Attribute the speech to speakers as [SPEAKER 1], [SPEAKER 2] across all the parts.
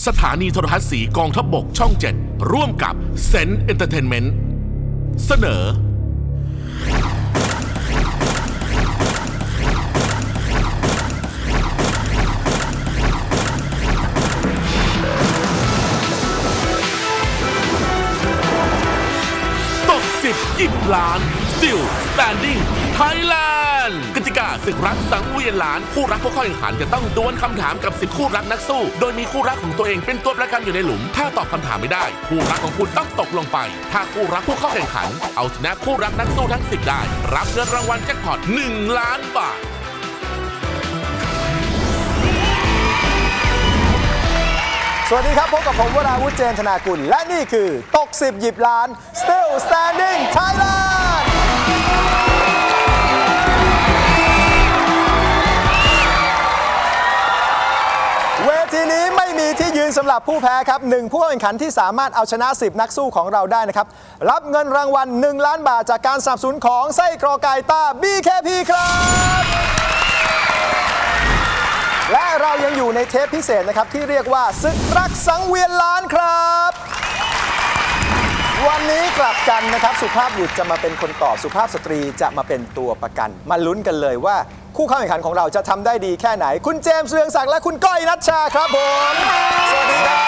[SPEAKER 1] สถานีโทรทัศน์สีกองทัพบกช่อง 7 ร่วมกับเซนต์เอนเตอร์เทนเมนต์เสนอตก10 หยิบล้าน Still Standing Thailand กติกาศึกรักสังเวียนล้านคู่รักผู้เข้าแข่งขันจะต้องดวลคำถามกับ10 คู่รักนักสู้โดยมีคู่รักของตัวเองเป็นตัวประกันอยู่ในหลุมถ้าตอบคำถามไม่ได้คู่รักของคุณต้องตกลงไปถ้าคู่รักผู้เข้าแข่งขันเอาชนะคู่รักนักสู้ทั้ง10ได้รับเงินรางวัลแจ็คพอต1 ล้านบาท
[SPEAKER 2] สวัสดีครับพบกับผมวราวุธเจนธนากุลและนี่คือตก10 หยิบล้าน Still Standing Thailand เวทีนี้ไม่มีที่ยืนสำหรับผู้แพ้ครับ1ผู้เข้าแข่งขันที่สามารถเอาชนะ10นักสู้ของเราได้นะครับรับเงินรางวัล1 ล้านบาทจากการสนับสนุนของไส้กรอกไก่ต้า BKP ครับและเรายังอยู่ในเทปพิเศษนะครับที่เรียกว่าศึกรักสังเวียนล้านครับวันนี้กลับกันนะครับสุภาพบุรุษจะมาเป็นคนตอบสุภาพสตรีจะมาเป็นตัวประกันมาลุ้นกันเลยว่าคู่เข้าแข่งขันของเราจะทำได้ดีแค่ไหนคุณเจมส์เรืองศักดิ์และคุณก้อยณัชชาครับผมสวัสดีครับ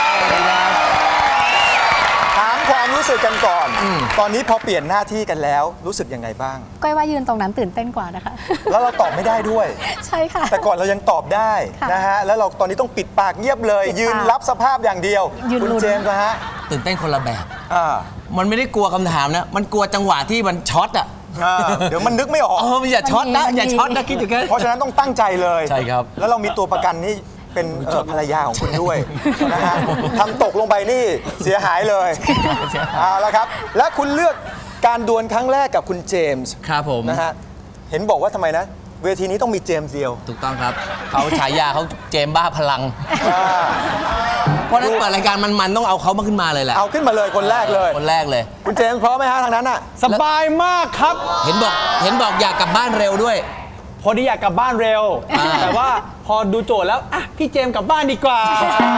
[SPEAKER 2] ถามความรู้สึกกันก่อนตอนนี้พอเปลี่ยนหน้าที่กันแล้วรู้สึกยังไงบ้าง
[SPEAKER 3] ก้อยว่ายืนตรงนั้นตื่นเต้นกว่านะคะ
[SPEAKER 2] แล้วเราตอบไม่ได้ด้วย
[SPEAKER 3] ใช่ค่ะ
[SPEAKER 2] แต่ก่อนเรายังตอบได้นะฮะแล้วเราตอนนี้ต้องปิดปากเงียบเลยยืนรับสภาพอย่างเดียวคุณเจมส์นะฮะ
[SPEAKER 4] ตื่นเต้นคนละแบบมันไม่ได้กลัวคำถามนะมันกลัวจังหวะที่มันช็อตอ่ะ
[SPEAKER 2] เดี๋ยวมันนึกไม่ออก
[SPEAKER 4] มันอย่าช็อตนะอย่าช็อตนะคิดอย่างนั้น
[SPEAKER 2] เพราะฉะนั้นต้องตั้งใจเลย
[SPEAKER 4] ใช่ครับ
[SPEAKER 2] แล้วเรามีตัวประกันนี่เป็นภรรยาของคุณด้วยนะฮะทำตกลงไปนี่เสียหายเลยเอาละครับและคุณเลือกการดวลครั้งแรกกับคุณเจมส์
[SPEAKER 4] ครับผม
[SPEAKER 2] นะฮะเห็นบอกว่าทำไมนะเวทีนี้ต้องมีเจมส์เดียว
[SPEAKER 4] ถูกต้องครับเขาฉายาเขาเจมส์บ้าพลังเพราะนั้นเปิดรายการมันต้องเอาเขามาขึ้นมาเลยแหละ
[SPEAKER 2] เอาขึ้นมาเลยคนแรกเลยคุณเจมส์พร้อมไหมฮะทางนั้นอ่ะ
[SPEAKER 5] สบายมากครับ
[SPEAKER 4] เห็นบอกอยากกลับบ้านเร็วด้วย
[SPEAKER 5] พอดีอยากกลับบ้านเร็วแต่ว่าพอดูโจทย์แล้วอ่ะพี่เจมส์กลับบ้านดีกว่า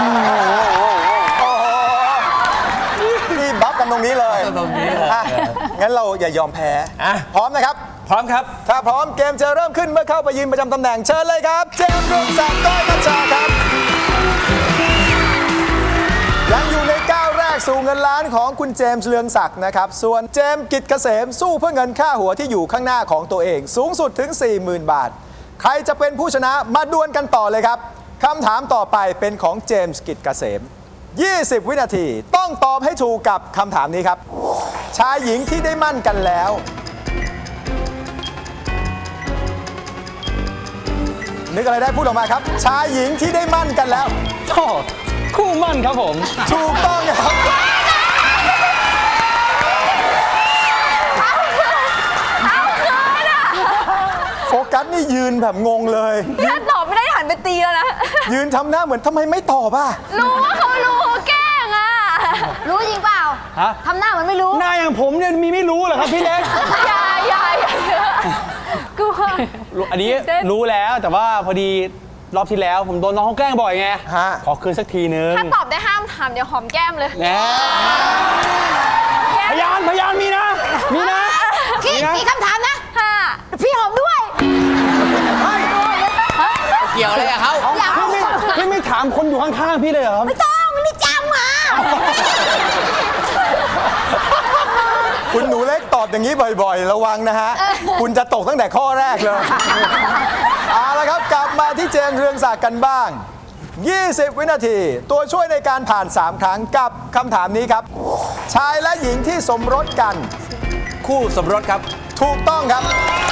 [SPEAKER 2] นี่บัฟกันตรงนี้เลยงั้นเราอย่ายอมแพ้พร้อมนะครับ
[SPEAKER 5] พร้อมครับ
[SPEAKER 2] ถ้าพร้อมเกมจะเริ่มขึ้นเมื่อเข้าไปยืนประจำตำแหน่งเชิญเลยครับเจมส์เรืองศักดิ์ก้อยณัชชาครับยังอยู่ในก้าวแรกสู่เงินล้านของคุณเจมส์เรืองศักดิ์นะครับส่วนเจมส์กิจเกษมสู้เพื่อเงินค่าหัวที่อยู่ข้างหน้าของตัวเองสูงสุดถึง 40,000 บาทใครจะเป็นผู้ชนะมาดวลกันต่อเลยครับคำถามต่อไปเป็นของเจมส์กิจเกษม20 วินาทีต้องตอบให้ถูกกับคำถามนี้ครับชายหญิงที่ได้มั่นกันแล้วนึกอะไรได้พูดออกมาครับชายหญิงที่ได้มั่นกันแล้ว
[SPEAKER 5] คู่มั่นครับผม
[SPEAKER 2] ถูกต้องครับโฟกัสนี่ยืนแบบงงเลย
[SPEAKER 3] ถ้าตอบไม่ได้หันไปตีแล้วนะ
[SPEAKER 2] ยืนทำหน้าเหมือนทำไมไม่ตอบอ่ะ
[SPEAKER 3] รู้ว่าเขารู้แกล้งอ่ะรู้จริงเปล่าทำหน้าเหมือนไม่รู้
[SPEAKER 5] หน้าอย่างผมเนี่ยมีไม่รู้เหรอครับพี่เล็ก
[SPEAKER 3] อย่ากลัว
[SPEAKER 5] อันนี้รู้แล้วแต่ว่าพอดีรอบที่แล้วผมโดนน้องเขาแกล้งบ่อยไงขอคืนสักทีนึง
[SPEAKER 3] ถ้าตอบได้ห้ามถามเดี๋ยวหอมแก้มเลย
[SPEAKER 5] พยานมีนะ
[SPEAKER 3] กี่คำถามนะพี่หอมด้วย
[SPEAKER 4] เกี่ยวอะไรกับเขา
[SPEAKER 5] พี่ไม่ถามคนอยู่ข้างๆพี่เลยเหรอ
[SPEAKER 3] ไม่ต้องนี่จำมา
[SPEAKER 2] คุณหนูเล็กตอบอย่างนี้บ่อยๆระวังนะฮะคุณจะตกตั้งแต่ข้อแรกเลยเอาละครับกลับมาที่เจมส์เรืองศักดิ์กันบ้าง20 วินาทีตัวช่วยในการผ่าน3 ครั้งกับคำถามนี้ครับชายและหญิงที่สมรสกัน
[SPEAKER 4] คู่สมรสครับ
[SPEAKER 2] ถูกต้องครับ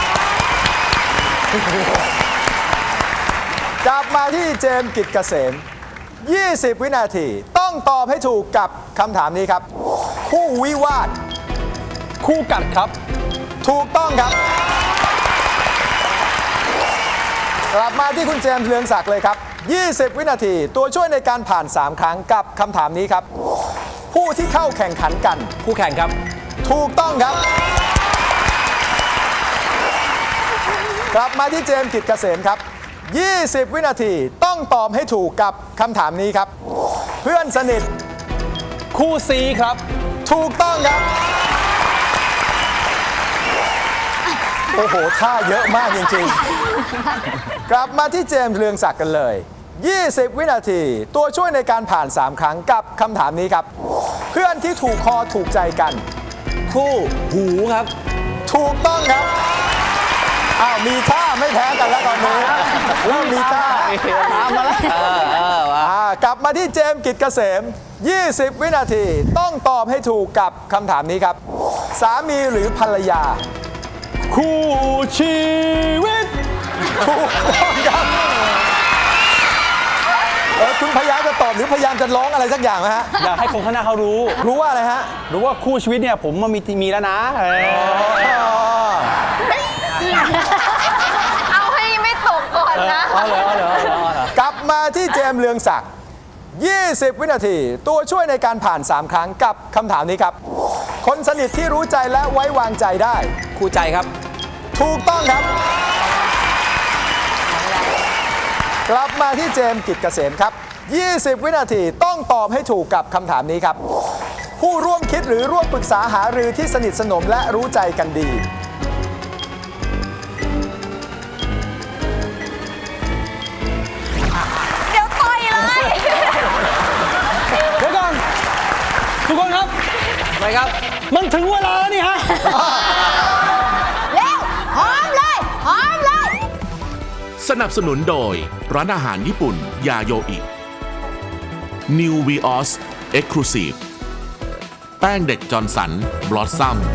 [SPEAKER 2] กลับมาที่เจมส์กิจเกษม20 วินาทีต้องตอบให้ถูกกับคำถามนี้ครับคู่วิวาท
[SPEAKER 5] คู่กัดครับ
[SPEAKER 2] ถูกต้องครับกลับมาที่คุณเจมส์เรืองศักดิ์เลยครับ20 วินาทีตัวช่วยในการผ่าน3 ครั้งกับคำถามนี้ครับผู้ที่เข้าแข่งขันกัน
[SPEAKER 5] คู่แข่งครับ
[SPEAKER 2] ถูกต้องครับกลับมาที่เจมส์กิจเกษมครับ20 วินาทีต้องตอบให้ถูกกับคำถามนี้ครับผพื่อนสนิท
[SPEAKER 5] คู่ซีครับ
[SPEAKER 2] ถูกต้องครับ โอ้โห ท่าเยอะมากจริงๆ กลับมาที่เจมส์เรืองศักดิ์กันเลย 20 วินาที ตัวช่วยในการผ่าน 3 ครั้งกับคำถามนี้ครับ เพื่อนที่ถูกคอถูกใจกัน
[SPEAKER 4] คู่หูครับ
[SPEAKER 2] ถูกต้องครับ อ้าว มีท่าไม่แพ้กันแล้วตอนนี้เริ่มมีท่า
[SPEAKER 5] ตามมาแล้ว
[SPEAKER 2] กลับมาที่เจมส์กิจเกษม 20 วินาที ต้องตอบให้ถูกกับคำถามนี้ครับ สามีหรือภรรยา
[SPEAKER 5] คู่ชีวิต
[SPEAKER 2] ถูกต้องครับคุณพยายามจะตอบหรือพยายามจะร้องอะไรสักอย่างไหมฮะ
[SPEAKER 5] อยากให้คนข้างหน้าเขารู้
[SPEAKER 2] รู้ว่าอะไรฮะ
[SPEAKER 5] รู้ว่าคู่ชีวิตเนี่ยผมมันมีแล้วนะ
[SPEAKER 3] เอาให้ไม่ตกก่อนนะ
[SPEAKER 5] เอาเหรอ
[SPEAKER 2] กลับมาที่เจมส์เรืองศักดิ์ 20 วินาที ตัวช่วยในการผ่าน 3 ครั้งกับคำถามนี้ครับ คนสนิทที่รู้ใจและไว้วางใจได้
[SPEAKER 4] คู่ใจครับ
[SPEAKER 2] ถูกต้องครับ กลับมาที่เจมส์กิจเกษมครับ 20 วินาทีต้องตอบให้ถูกกับคำถามนี้ครับ ผู้ร่วมคิดหรือร่วมปรึกษาหารือที่สนิทสนมและรู้ใจกันดี
[SPEAKER 3] เดี๋ยวต่อยเลย
[SPEAKER 5] เดี๋ยวก่อนทุกคนครับ
[SPEAKER 4] ไปครับ
[SPEAKER 5] มันถึงเวลาแล้วนี่ฮะ
[SPEAKER 3] เร็วหอมเลยหอมเลย
[SPEAKER 1] สนับสนุนโดยร้านอาหารญี่ปุ่นยาโยอิ New Vios Exclusive แป้งเด็กจอร์นสันบลอสซัม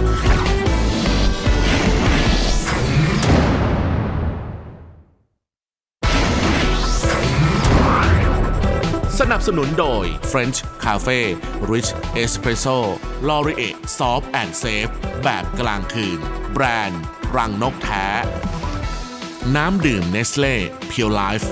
[SPEAKER 1] สนับสนุนโดย French Cafe Rich Espresso Laurier Soft and Safe แบบกลางคืน แบรนด์รังนกแท้ น้ำดื่มเนสเล่ Pure Life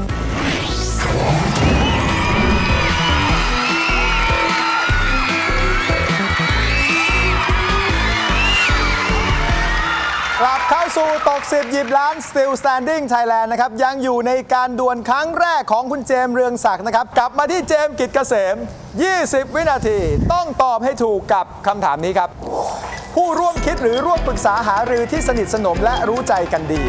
[SPEAKER 2] กลับเข้าสู่ตก 10 หยิบล้าน Still Standing Thailand นะครับ ยังอยู่ในการดวลครั้งแรกของคุณเจมส์เรืองศักดิ์นะครับ กลับมาที่เจมส์กิจเกษม 20 วินาทีต้องตอบให้ถูกกับคำถามนี้ครับ ผู้ร่วมคิดหรือร่วมปรึกษาหารือที่สนิทสนมและรู้ใจกันดี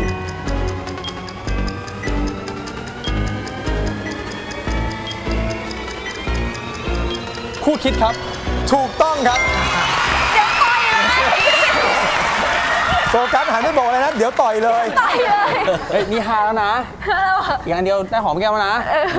[SPEAKER 5] คู่คิดครับ
[SPEAKER 2] ถูกต้องครับ
[SPEAKER 3] เดี๋ยวต่อยเลย
[SPEAKER 2] โฟกัสหันไปบอกเลยนะ เดี๋ยวต่อยเลย
[SPEAKER 3] ต่อยเลย
[SPEAKER 5] เฮ้ยนี่ฮาแล้วนะ อีกอันเดียวได้หอมแก้มแล้วนะ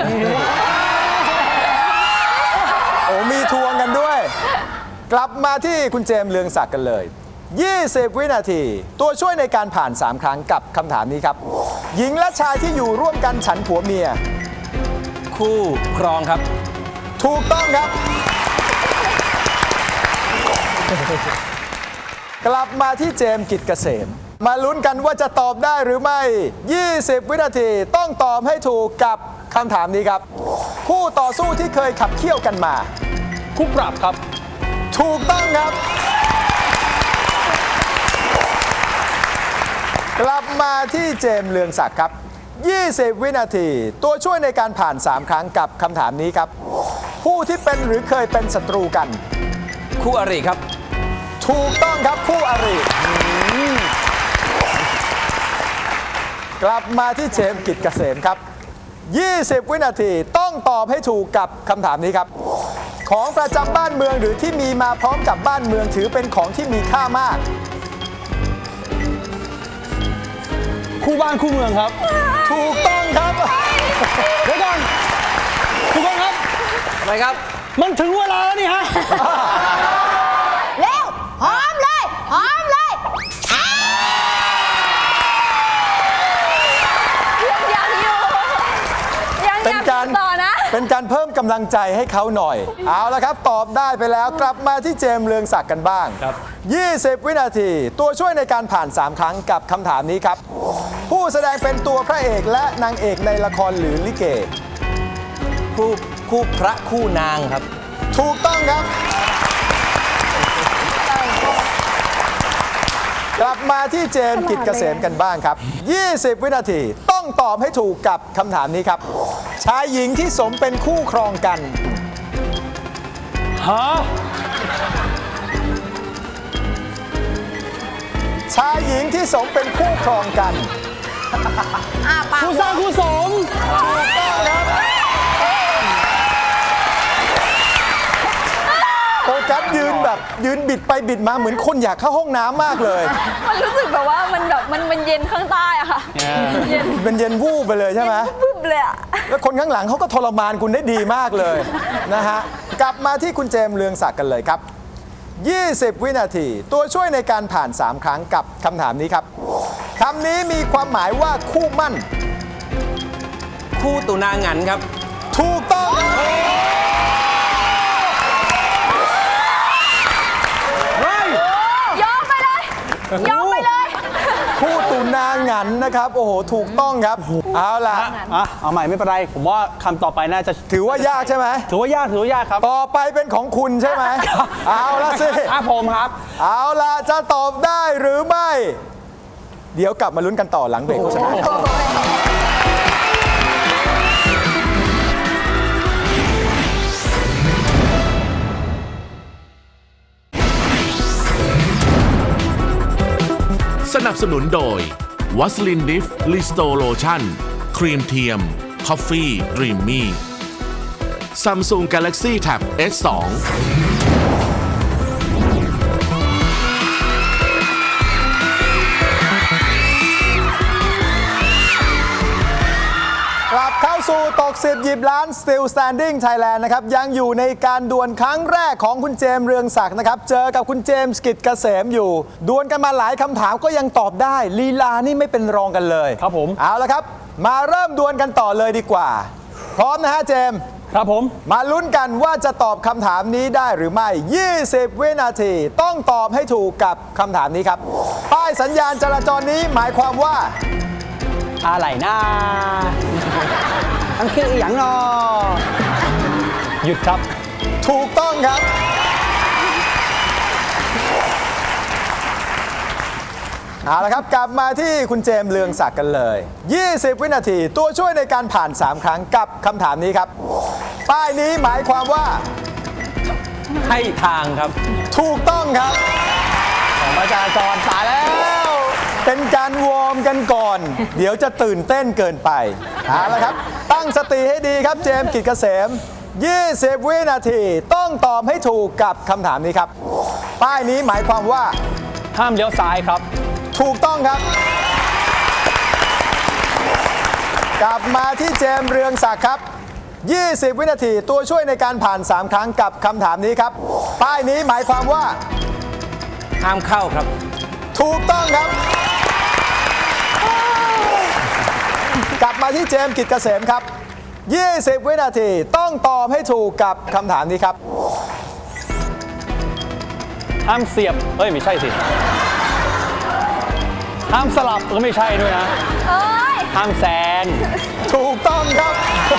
[SPEAKER 2] โอ้มีทวงกันด้วย กลับมาที่คุณเจมส์เรืองศักดิ์กันเลย 20 วินาที ตัวช่วยในการผ่าน 3 ครั้งกับคำถามนี้ครับ หญิงและชายที่อยู่ร่วมกันฉันผัวเมีย
[SPEAKER 4] คู่ครองครับ
[SPEAKER 2] ถูกต้องครับ กลับมาที่เจมส์กิจเกษม มาลุ้นกันว่าจะตอบได้หรือไม่ 20 วินาทีต้องตอบให้ถูกกับคำถามนี้ครับ คู่ต่อสู้ที่เคยขับเคี่ยวกันมา
[SPEAKER 5] คู่ปรับครับ
[SPEAKER 2] ถูกต้องครับ กลับมาที่เจมส์เรืองศักดิ์ครับ 20 วินาที ตัวช่วยในการผ่าน 3 ครั้งกับคำถามนี้ครับ ผู้ที่เป็นหรือเคยเป็นศัตรูกัน
[SPEAKER 4] คู่อริครับ
[SPEAKER 2] ถูกต้องครับคู่อริกลับมาที่เจมส์กิจเกษมครับ 20 วินาทีต้องตอบให้ถูกกับคำถามนี้ครับ ของประจำบ้านเมืองหรือที่มีมาพร้อมกับบ้านเมืองถือเป็นของที่มีค่ามาก
[SPEAKER 5] คู่บ้านคู่เมืองครับ
[SPEAKER 2] ถูกต้องครับ
[SPEAKER 5] เดี๋ยวก่อนทุกคนครับ
[SPEAKER 4] ไปครับ
[SPEAKER 5] มันถึงเวลาแล้วนี่ฮะ
[SPEAKER 3] เร็วหอมเลยหอมเลยยังอยู่ยัง
[SPEAKER 2] เป็นการ
[SPEAKER 3] ต่อนะ
[SPEAKER 2] เป็นการเพิ่มกำลังใจให้เขาหน่อย เอาละครับ ตอบได้ไปแล้วกลับมาที่เจมส์เรืองศักดิ์กันบ้าง
[SPEAKER 5] ครับ
[SPEAKER 2] 20 วินาที ตัวช่วยในการผ่าน 3 ครั้งกับคำถามนี้ครับ ผู้แสดงเป็นตัวพระเอกและนางเอกในละครหรือลิเก
[SPEAKER 4] คู่พระคู่นางครับ
[SPEAKER 2] ถูกต้องครับ กลับมาที่เจมส์กิจเกษมกันบ้างครับ 20 วินาทีต้องตอบให้ถูกกับคำถามนี้ครับ ชายหญิงที่สมเป็นคู่ครองกัน
[SPEAKER 5] ฮะ
[SPEAKER 2] ชายหญิงที่สมเป็นคู่ครองกัน
[SPEAKER 3] ปาก
[SPEAKER 5] คู่สร้างคู่สม
[SPEAKER 2] โฟกัสยืนแบบยืนบิดไปบิดมาเหมือนคนอยากเข้าห้องน้ำมากเลย
[SPEAKER 3] มันรู้สึกแบบว่ามันแบบมันเย็นข้างใต้อะค่ะเย็น
[SPEAKER 2] เป็นเย็นวูบไปเลยใช่ไหม
[SPEAKER 3] ปึ๊บเลยอะ
[SPEAKER 2] แล้วคนข้างหลังเขาก็ทรมานคุณได้ดีมากเลยนะฮะ กลับมาที่คุณเจมส์เรืองศักดิ์กันเลยครับ 20 วินาที ตัวช่วยในการผ่าน 3 ครั้งกับคำถามนี้ครับคำนี้มีความหมายว่าคู่มั่น
[SPEAKER 4] คู่ตุนางันครับ
[SPEAKER 2] ถูกต้องครับ
[SPEAKER 3] ยอมไปเลยยอมไปเลย
[SPEAKER 2] คู่ตุนางันนะครับ โอ้โห ถูกต้องครับ เอาล่ะ
[SPEAKER 5] เอาใหม่ไม่เป็นไร ผมว่าคำต่อไปน่าจะ
[SPEAKER 2] ถือว่ายากใช่ไหม
[SPEAKER 5] ถือว่ายากครับ
[SPEAKER 2] ต่อไปเป็นของคุณใช่ไหม เอาละสิ
[SPEAKER 5] ผมครับ
[SPEAKER 2] เอาล่ะ จะตอบได้หรือไม่ เดี๋ยวกลับมาลุ้นกันต่อหลังเบรกโฆษณา
[SPEAKER 1] สนับสนุนโดยวัสลินดิฟลิสโตโลชั่นครีมเทียมคอฟฟี่ดรีมมี่ Samsung Galaxy Tab S2
[SPEAKER 2] กลับเข้าสู่ตก10หยิบล้าน Still Standing Thailand นะครับ ยังอยู่ในการดวลครั้งแรกของคุณเจมส์เรืองศักดิ์นะครับ เจอกับคุณเจมส์กิจเกษมอยู่ ดวลกันมาหลายคำถามก็ยังตอบได้ลีลานี่ไม่เป็นรองกันเลย
[SPEAKER 5] ครับผม
[SPEAKER 2] เอาละครับ มาเริ่มดวลกันต่อเลยดีกว่า พร้อมนะฮะเจมส์
[SPEAKER 5] ครับผม
[SPEAKER 2] มาลุ้นกันว่าจะตอบคำถามนี้ได้หรือไม่ 20 วินาที ต้องตอบให้ถูกกับคำถามนี้ครับ ป้ายสัญญาณจราจรนี้หมายความว่า
[SPEAKER 5] อะไรนะมันคืออย่างนอหยุดครับ
[SPEAKER 2] ถูกต้องครับ เอาละครับ กลับมาที่คุณเจมส์เรืองศักดิ์กันเลย 20 วินาที ตัวช่วยในการผ่าน 3 ครั้งกับคำถามนี้ครับ ป้ายนี้หมายความว่า
[SPEAKER 4] ให้ทางครับ
[SPEAKER 2] ถูกต้องครับ
[SPEAKER 5] ของประชาชนตายแล้ว
[SPEAKER 2] เป็นการวอร์มกันก่อน เดี๋ยวจะตื่นเต้นเกินไปเอาละครับ ตั้งสติให้ดีครับเจมส์กิจเกษม 20 วินาที ต้องตอบให้ถูกกับคำถามนี้ครับ ป้ายนี้หมายความว่า
[SPEAKER 5] ห้ามเลี้ยวซ้ายครับ
[SPEAKER 2] ถูกต้องครับ กลับมาที่เจมส์เรืองศักดิ์ครับ 20 วินาที ตัวช่วยในการผ่าน 3 ครั้งกับคำถามนี้ครับ ป้ายนี้หมายความว่า
[SPEAKER 4] ห้ามเข้าครับ
[SPEAKER 2] ถูกต้องครับ กลับมาที่เจมส์กิจเกษมครับ 20 วินาที ต้องตอบให้ถูกกับคำถามนี้ครับ
[SPEAKER 5] ห้ามเสียบเอ้ยไม่ใช่สิ ห้ามสลับก็ไม่ใช่ด้วยนะ
[SPEAKER 3] เอ้ย
[SPEAKER 5] ห้ามแซง
[SPEAKER 2] ถูกต้องครับ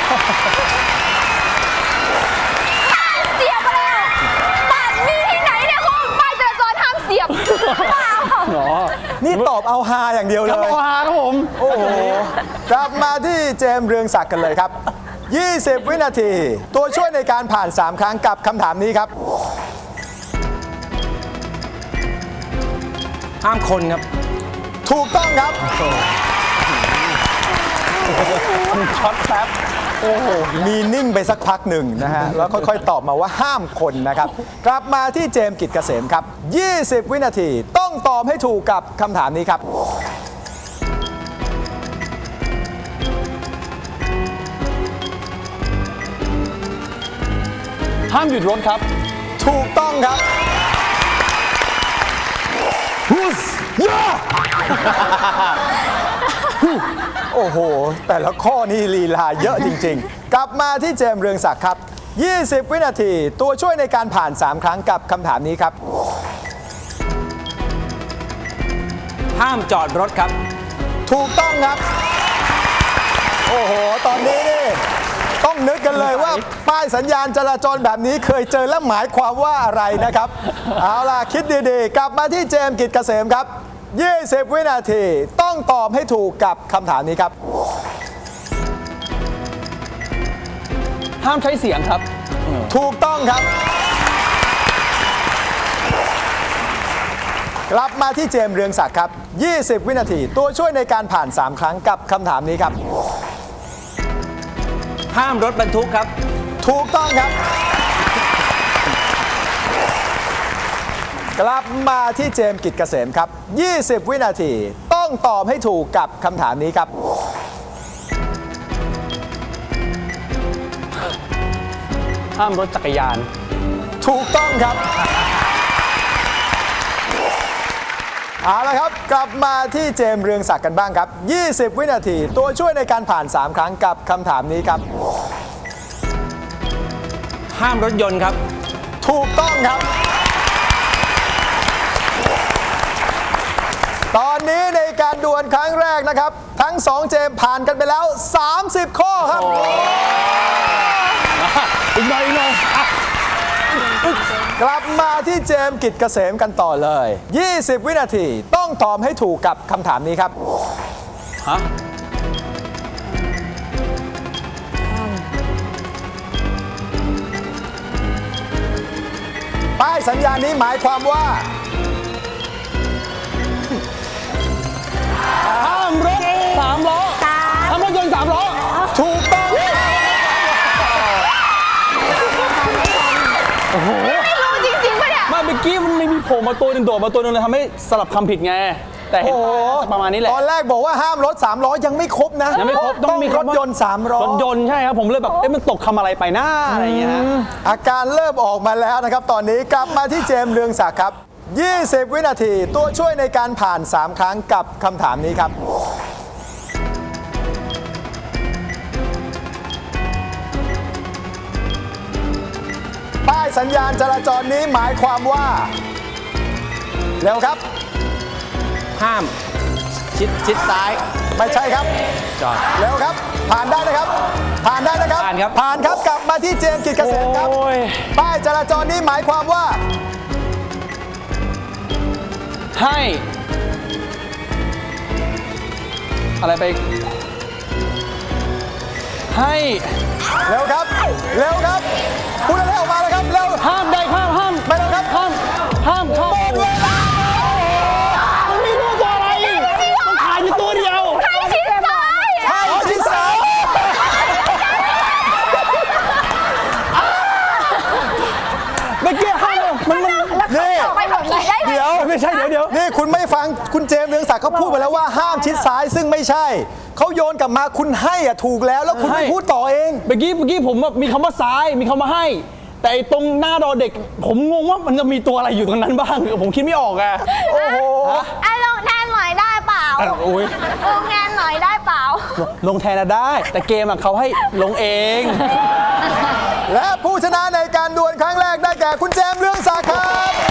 [SPEAKER 3] เสียบไปแล้วบ้านมีที่ไหนเนี่ยคุณป้ายจราจรห้ามเสียบเปล่า
[SPEAKER 5] หรอ
[SPEAKER 2] นี่ตอบเอาฮาอย่างเดียว
[SPEAKER 5] ค
[SPEAKER 2] เล
[SPEAKER 5] รับ
[SPEAKER 2] ย
[SPEAKER 5] โอฮาครับผม
[SPEAKER 2] โอ้โห กลับมาที่เจมส์เรืองศักดิ์กันเลยครับ 20 วินาที ตัวช่วยในการผ่าน 3 ครั้งกับคำถามนี้ครับ
[SPEAKER 4] ห้ามคนครับ
[SPEAKER 2] ถูกต้องครับ
[SPEAKER 5] ช็อตแป๊บ
[SPEAKER 2] โอ้โห มีนิ่งไปสักพักหนึ่งนะฮะ แล้วค่อยๆ ตอบมาว่าห้ามคนนะครับ กลับมาที่เจมส์กิจเกษมครับ 20 วินาที ต้องตอบให้ถูกกับคำถามนี้ครับ
[SPEAKER 5] ห้ามหยุดรถครับ
[SPEAKER 2] ถูกต้องครับฮุสยาโอ้โห แต่ละข้อนี่ลีลาเยอะจริงๆ กลับมาที่เจมส์เรืองศักดิ์ครับ 20 วินาที ตัวช่วยในการผ่าน 3 ครั้งกับคำถามนี้ครับ
[SPEAKER 4] ห้ามจอดรถครับ
[SPEAKER 2] ถูกต้องครับ โอ้โห ตอนนี้นี่ต้องนึกกันเลยว่าป้ายสัญญาณจราจรแบบนี้เคยเจอและหมายความว่าอะไรนะครับ เอาล่ะ คิดดีๆ กลับมาที่เจมส์กิจเกษมครับ 20 วินาที ต้องตอบให้ถูกกับคำถามนี้ครับ
[SPEAKER 5] ห้ามใช้เสียงครับ
[SPEAKER 2] ถูกต้องครับ กลับมาที่เจมส์เรืองศักดิ์ครับ 20 วินาที ตัวช่วยในการผ่าน 3 ครั้งกับคำถามนี้ครับ
[SPEAKER 4] ห้ามรถบรรทุกครับ
[SPEAKER 2] ถูกต้องครับ กลับมาที่เจมส์กิจเกษมครับ 20 วินาที ต้องตอบให้ถูกกับคำถามนี้ครับ
[SPEAKER 5] ห้ามรถจักรยาน
[SPEAKER 2] ถูกต้องครับ เอาละครับ กลับมาที่เจมส์เรืองศักดิ์กันบ้างครับ 20 วินาที ตัวช่วยในการผ่าน 3 ครั้งกับคำถามนี้ครับ
[SPEAKER 4] ห้ามรถยนต์ครับ
[SPEAKER 2] ถูกต้องครับ ตอนนี้ในการดวลครั้งแรกนะครับ ทั้ง 2 เจมส์ผ่านกันไปแล้ว 30 ข้อครับ
[SPEAKER 5] อีกหน่อยอีกหน่อยอ่ะ
[SPEAKER 2] กลับมาที่เจมส์กิจเกษมกันต่อเลย 20 วินาที ต้องตอบให้ถูกกับคำถามนี้ครับ
[SPEAKER 5] ฮะ
[SPEAKER 2] ป้ายสัญญาณนี้หมายความว่า
[SPEAKER 5] ห้ามรถสามล้อห้ามรถยนต์3 ล้อ
[SPEAKER 2] ถูกต้อง
[SPEAKER 3] ไม่รู้จริงๆปะเนี่ย
[SPEAKER 5] ไม่เมื่อกี้มันไม่มีโผล่มาตัวหนึ่งโดดมาตัวหนึ่งเลยทำให้สลับคำผิดไง แต่เห็น
[SPEAKER 2] โอ้โห
[SPEAKER 5] ประมาณนี้แหละ
[SPEAKER 2] ตอนแรกบอกว่าห้ามรถ 3 ล้อยังไม่ครบนะ
[SPEAKER 5] ยังไม่ครบ
[SPEAKER 2] ต้องมี
[SPEAKER 5] คำ
[SPEAKER 2] ร
[SPEAKER 5] ว่า
[SPEAKER 2] ถยนต์ 3 ล้อ
[SPEAKER 5] รถยนต์ใช่ครับ ผมเลยแบบ เอ๊ะมันตกคำอะไรไปหน้าอะไรอย่างเงี้ยฮะ
[SPEAKER 2] อาการเริ่มออกมาแล้วนะครับ ตอนนี้กลับมาที่เจมส์เรืองศักดิ์ครับ 20 วินาที ตัวช่วยในการผ่าน 3 ครั้งกับคำถามนี้ครับ ป้ายสัญญาณจราจรนี้หมายความว่า เร็วครับ
[SPEAKER 4] ห้ามชิดซ้าย
[SPEAKER 2] ไม่ใช่ครับ
[SPEAKER 4] จอด
[SPEAKER 2] เร็วครับ ผ่านได้นะครับ ผ่านได้นะครับ
[SPEAKER 4] ผ่านครับ
[SPEAKER 2] ผ่านครับ กลับมาที่เจมส์กิจเกษมครับ
[SPEAKER 5] โอ้ย
[SPEAKER 2] ป้ายจราจรนี้หมายความว่า
[SPEAKER 5] ให้ อะไรไป ให้
[SPEAKER 2] เร็วครับ เร็วครับ พูดอะไรออกมาเลยครับ เร็ว
[SPEAKER 5] ห้ามได้ห้ามห้าม
[SPEAKER 2] ไม่เร็วครับ
[SPEAKER 5] ห้ามห้ามเข้า
[SPEAKER 2] หมดเวลา
[SPEAKER 5] มันไม่รู้ตัวอะไรมันขายอยู่ตัวเดียว
[SPEAKER 3] ให้ชิดซ้าย
[SPEAKER 2] ให้ที่สาม
[SPEAKER 5] เมื่อกี้ห้ามมัน
[SPEAKER 2] นี่
[SPEAKER 3] ไปขับขี่ได้ไหม
[SPEAKER 2] เดี๋ยว
[SPEAKER 5] ไม่ใช่เดี๋ยว
[SPEAKER 2] นี่คุณไม่ฟังคุณเจมส์เรืองศักดิ์เขาพูดไปแล้วว่าห้ามชิดซ้ายซึ่งไม่ใช่ เขาโยนกลับมาคุณให้อะถูกแล้วแล้วคุณไม่พูดต่อเอง
[SPEAKER 5] เมื่อกี้ผมแบบมีคำว่าซ้ายมีคำว่าให้ แต่ไอ้ตรงหน้ารอเด็ก ผมงงว่ามันจะมีตัวอะไรอยู่ตรงนั้นบ้าง ผมคิดไม่ออกอะ
[SPEAKER 2] โอ้โห
[SPEAKER 3] อ่ะลงแทนหน่อยได้เปล่า
[SPEAKER 5] โอ้ย
[SPEAKER 3] ลงแทนหน่อยได้เปล่า
[SPEAKER 5] ลงแทนอะได้ แต่เกมอะเขาให้ลงเอง
[SPEAKER 2] และผู้ชนะในการดวลครั้งแรกได้แก่คุณเจมส์เรืองศักดิ์ครับ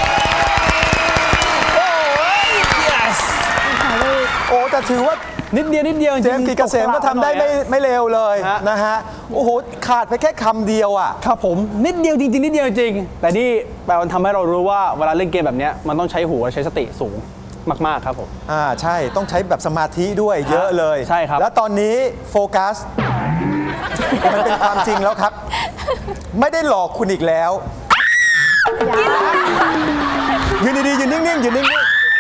[SPEAKER 5] yes
[SPEAKER 2] โอ้แต่ถือว่า
[SPEAKER 5] นิดเดียวนิดเดียว
[SPEAKER 2] เจมส์กิจเกษมก็ทำได้ไม่เลวเลย
[SPEAKER 5] ฮะ
[SPEAKER 2] นะฮะ โอ้โห ขาดไปแค่คำเดียวอ่ะ
[SPEAKER 5] ครับผมนิดเดียวจริงๆนิดเดียวจริง แต่นี่แปลว่าทำให้เรารู้ว่าเวลาเล่นเกมแบบเนี้ยมันต้องใช้หัวใช้สติสูงมากๆครับผม
[SPEAKER 2] ใช่ต้องใช้แบบสมาธิด้วยเยอะเลย
[SPEAKER 5] ใช่ครับ
[SPEAKER 2] แล้วตอนนี้โฟกัส มันเป็นความจริงแล้วครับ ไม่ได้หลอกคุณอีกแล้ว ยืนดีๆยืนนิ่งๆยืนนิ่ง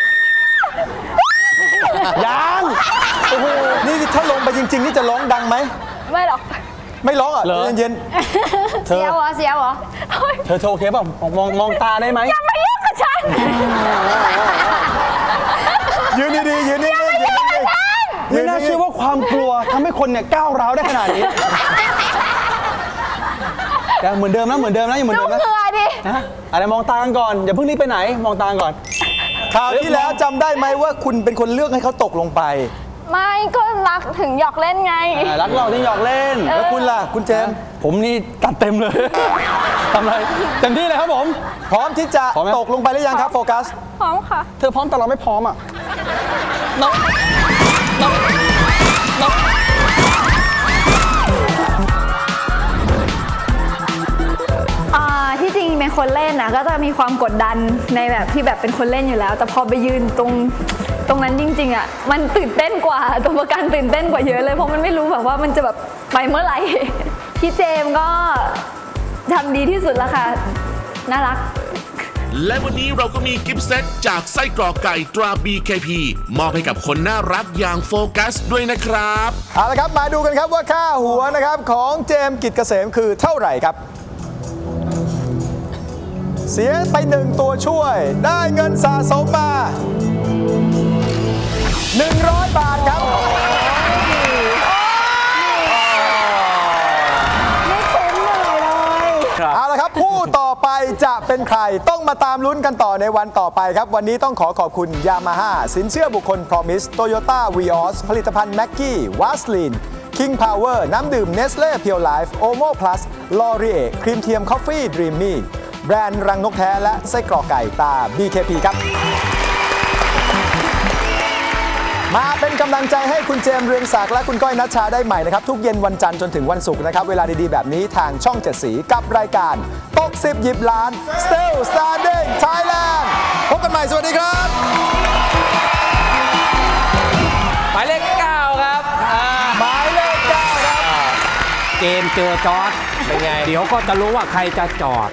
[SPEAKER 5] ยัง
[SPEAKER 2] ๆโอ้โหนี่ถ้าลงไปจริง ๆ นี่จะร้องดังไหม
[SPEAKER 3] ไม่หรอก
[SPEAKER 2] ไม่ร้องอ่ะ
[SPEAKER 5] เหรอ
[SPEAKER 2] เย็น
[SPEAKER 3] เสียวเหรอเสียวเหรอเฮ้ย
[SPEAKER 5] เธอโอเคป่ะมองตาได้ไหม
[SPEAKER 3] อย่ามายุ่งกับฉัน
[SPEAKER 2] ๆยืนดีๆยืนนิ่งๆยืนนิ่งๆ
[SPEAKER 5] ไม่น่าเชื่อว่าความกลัวทำให้คนเนี่ยก้าวร้าวได้ขนาดนี้ยังเหมือนเดิมนะเหมือนเดิมนะยังเหมือน
[SPEAKER 3] ลู
[SPEAKER 5] เดิ
[SPEAKER 3] ก
[SPEAKER 5] มนะ
[SPEAKER 3] เหงื่อดิ
[SPEAKER 5] นะอะไรมองตากันก่อนอย่าเพิ่งรีบไปไหนมองตากันก่อน
[SPEAKER 2] คราวที่แล้วจำได้ไหมว่าคุณเป็นคนเลือกให้เขาตกลงไป
[SPEAKER 3] ไม่ก็รักถึงหยอกเล่นไง
[SPEAKER 5] รักเราที่หยอกเล่น
[SPEAKER 2] แล้วคุณล่ะ คุณเจมส์
[SPEAKER 5] ผมนี่ตัดเต็มเลย ทำอะไรเต็มที่เลยครับผม
[SPEAKER 2] พร้อมที่จะ
[SPEAKER 5] พร้อมไหม
[SPEAKER 2] ตกลงไปหรือยังครับโฟกัส
[SPEAKER 3] พร้อมค่ะ
[SPEAKER 5] เธอพร้อมแต่เราไม่พร้อมอ่ะน้อง
[SPEAKER 3] ที่จริงเป็นคนเล่นนะก็จะมีความกดดันในแบบที่แบบเป็นคนเล่นอยู่แล้ว แต่พอไปยืนตรงนั้นจริงๆอ่ะมันตื่นเต้นกว่าตัวประกันตื่นเต้นกว่าเยอะเลยเพราะมันไม่รู้แบบว่ามันจะแบบไปเมื่อไหร่พี่เจมส์ก็ทำดีที่สุดแล้วค่ะ น่ารัก
[SPEAKER 1] และวันนี้เราก็มีกิฟต์เซตจากไส้กรอกไก่ตรา BKP มอบให้กับคนน่ารักอย่างโฟกัสด้วยนะครับ
[SPEAKER 2] เอาละครับมาดูกันครับว่าค่าหัวนะครับของเจมส์กิจเกษมคือเท่าไหร่ครับ เสียไป1ตัวช่วยได้เงินสะสมมา 100 บาทครับ
[SPEAKER 3] ไม่คุ้มเลย
[SPEAKER 2] เอาละครับผู้ต่อไปจะเป็นใครต้องมาตามลุ้นกันต่อในวันต่อไปครับ วันนี้ต้องขอขอบคุณ Yamaha สินเชื่อบุคคล Promise Toyota Vios ผลิตภัณฑ์ Maggi Vaseline King Power น้ำดื่ม Nestle Pure Life Omo Plus L'Oreal ครีมเทียม Coffee Dreamy แบรนด์รังนกแท้และไส้กรอกไก่ตา BKP ครับ มาเป็นกำลังใจให้คุณเจมส์เรืองศักดิ์และคุณก้อยนัชชาได้ใหม่นะครับ ทุกเย็นวันจันทร์จนถึงวันศุกร์นะครับ เวลาดีๆแบบนี้ทางช่อง 7 สีกับรายการตก10 หยิบล้าน Still Standing Thailand พบกันใหม่สวัสดีครับ
[SPEAKER 6] หมายเลข 9 ครับ
[SPEAKER 2] หมายเลข 9 ครับ
[SPEAKER 6] เกมเจอจอร์ดเป็นไง เดี๋ยวก็จะรู้ว่าใครจะจอด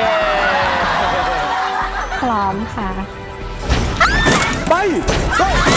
[SPEAKER 3] พร้อมค่ะ
[SPEAKER 2] ไป Go